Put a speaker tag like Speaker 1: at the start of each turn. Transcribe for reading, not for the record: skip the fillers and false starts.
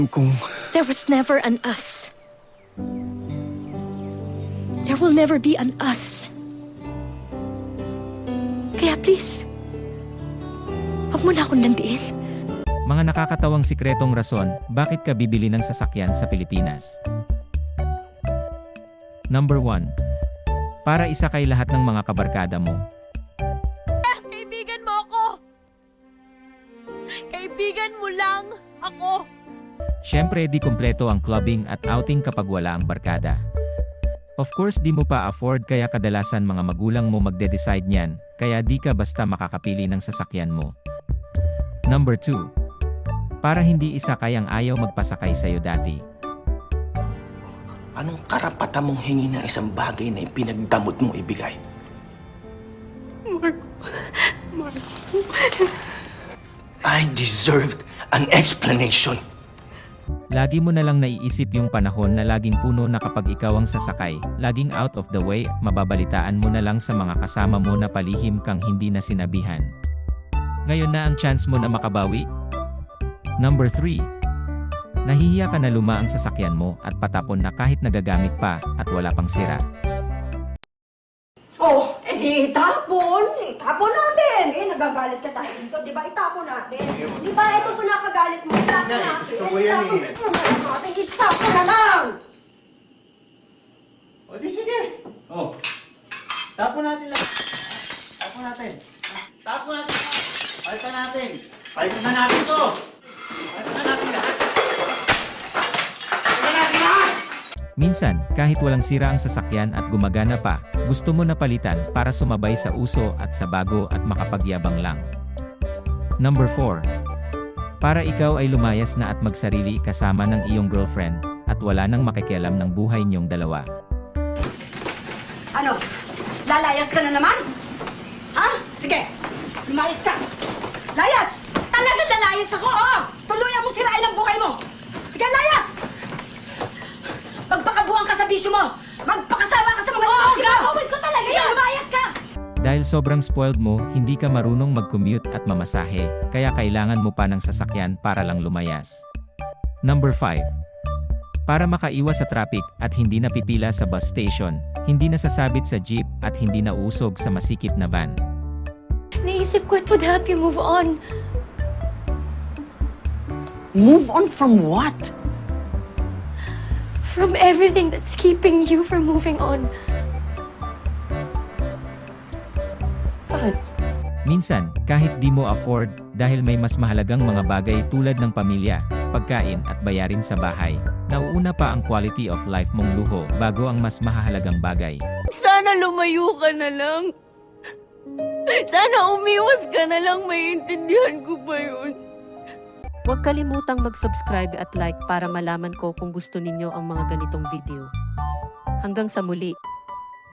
Speaker 1: Kung
Speaker 2: There was never an us. There will never be an us. Kaya please, huwag mo na akong landiin.
Speaker 3: Mga nakakatawang sikretong rason, bakit ka bibili ng sasakyan sa Pilipinas? Number 1. Para isakay lahat ng mga kabarkada mo.
Speaker 4: Kaibigan mo ako! Kaibigan mo lang ako!
Speaker 3: Siyempre di kumpleto ang clubbing at outing kapag wala ang barkada. Of course di mo pa afford kaya kadalasan mga magulang mo magde-decide niyan, kaya di ka basta makakapili ng sasakyan mo. Number 2. Para hindi isakay ang ayaw magpasakay sa'yo dati.
Speaker 1: anong karapatan mong hingi ng isang bagay na ipinagdamot mong ibigay?
Speaker 2: Marco.
Speaker 1: I deserved an explanation.
Speaker 3: Lagi mo na lang naiisip yung panahon na laging puno na kapag ikaw ang sasakay, laging out of the way, mababalitaan mo na lang sa mga kasama mo na palihim kang hindi na sinabihan. Ngayon na ang chance mo na makabawi. Number 3. Nahihiya ka na luma ang sasakyan mo at patapon na kahit nagagamit pa at wala pang sira.
Speaker 5: Oh, edi itapon. Itapon natin. Nagagalit ka tayo dito. Di ba itapon natin? Di ba itong kinakagalit mo? Itapon natin.
Speaker 6: gusto ko yan eh.
Speaker 5: Itapon natin. Itapon na lang.
Speaker 6: O di sige. O. Tapon natin lang. Tapon natin. Tapon natin. Palitan natin. Palitan na natin to. Palitan na natin lahat. Palitan natin lahat!
Speaker 3: Minsan, kahit walang sira ang sasakyan at gumagana pa, gusto mo na palitan para sumabay sa uso at sa bago at makapagyabang lang. Number 4. Para ikaw ay lumayas na at magsarili kasama ng iyong girlfriend at wala nang makikialam ng buhay niyong dalawa.
Speaker 5: Ano? Lalayas ka na naman? Ha? Sige. Lumayas ka. Layas! Talagang lalayas ako? Oo! Tuluyan mo sirain ang buhay mo. Sige, layas! Magpakabuang ka sa bisyo mo! Magpakasawa ka sa mga lalaki mo! Gagawin ko talaga yan! Lumayas ka!
Speaker 3: Dahil sobrang spoiled mo, hindi ka marunong mag-commute at mamasahe, kaya kailangan mo pa ng sasakyan para lang lumayas. Number 5. Para makaiwas sa traffic at hindi napipila sa bus station, hindi nasasabit sa jeep at hindi nauusog sa masikip na van.
Speaker 2: Naisip ko it would help you move on.
Speaker 1: Move on from what?
Speaker 2: From everything that's keeping you from moving on.
Speaker 1: Bakit?
Speaker 3: Minsan, kahit di mo afford, dahil may mas mahalagang mga bagay tulad ng pamilya, pagkain at bayarin sa bahay, nauuna pa ang quality of life mong luho bago ang mas mahalagang bagay.
Speaker 4: Sana lumayo ka na lang. Sana umiwas ka na lang, maiintindihan ko ba yun?
Speaker 7: Huwag kalimutang mag-subscribe at like para malaman ko kung gusto ninyo ang mga ganitong video. Hanggang sa muli!